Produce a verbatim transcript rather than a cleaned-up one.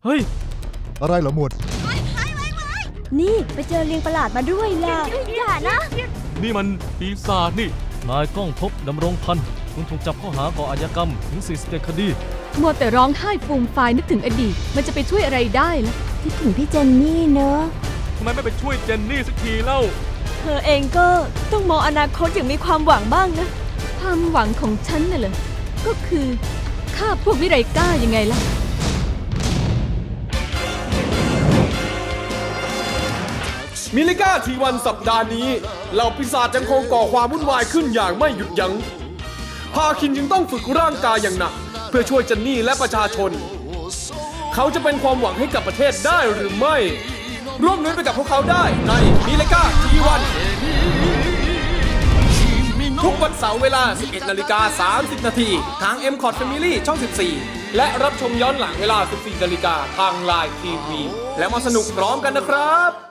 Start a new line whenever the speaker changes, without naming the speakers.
เฮ้ย
อะไรเหรอหมวด
นี่ไปเจอลิงประหลาดมาด้วยล่ะอย่านะ
นี่มันปีศาจนี่นายก้องภพดำรงพันธ์คุณถูกจับข้อหาก่ออาชญากรรมถึงสี่สิบเจ็ดคดี
มัวแต่ร้องไห้ฟูมฟายนึกถึงอดีตมันจะไปช่วยอะไรได้ล่ะ
คิดถึงพี่เจนนี่เนอะ
ทำไมไม่ไปช่วยเจนนี่สักทีเล่า
เธอเองก็ต้องมองอนาคตอย่างมีความหวังบ้างนะ
ความหวังของฉันน่ะเหรอก็คือฆ่าพวกวิไรก้ายังไงล่ะ
มิลิก้าทีวันสัปดาห์นี้เหล่าปีศาจยังคงก่อความวุ่นวายขึ้นอย่างไม่หยุดยัง้งพาคินจึงต้องฝึกร่างกายอย่างหนักเพื่อช่วยเจนนี่และประชาชนเขาจะเป็นความหวังให้กับประเทศได้หรือไม่ร่วมลุ้นไปกับพวกเขาได้ในมิลิก้าทีวันทุกวันเสาร์เวลา สิบเอ็ดนาฬิกาสามสิบนาทีทาง เอ็ม คอท Family ช่อง สิบสี่ และรับชมย้อนหลังเวลา สิบสี่นาฬิกาทาง ไลน์ ที วี แล้วมาสนุกพร้อมกันนะครับ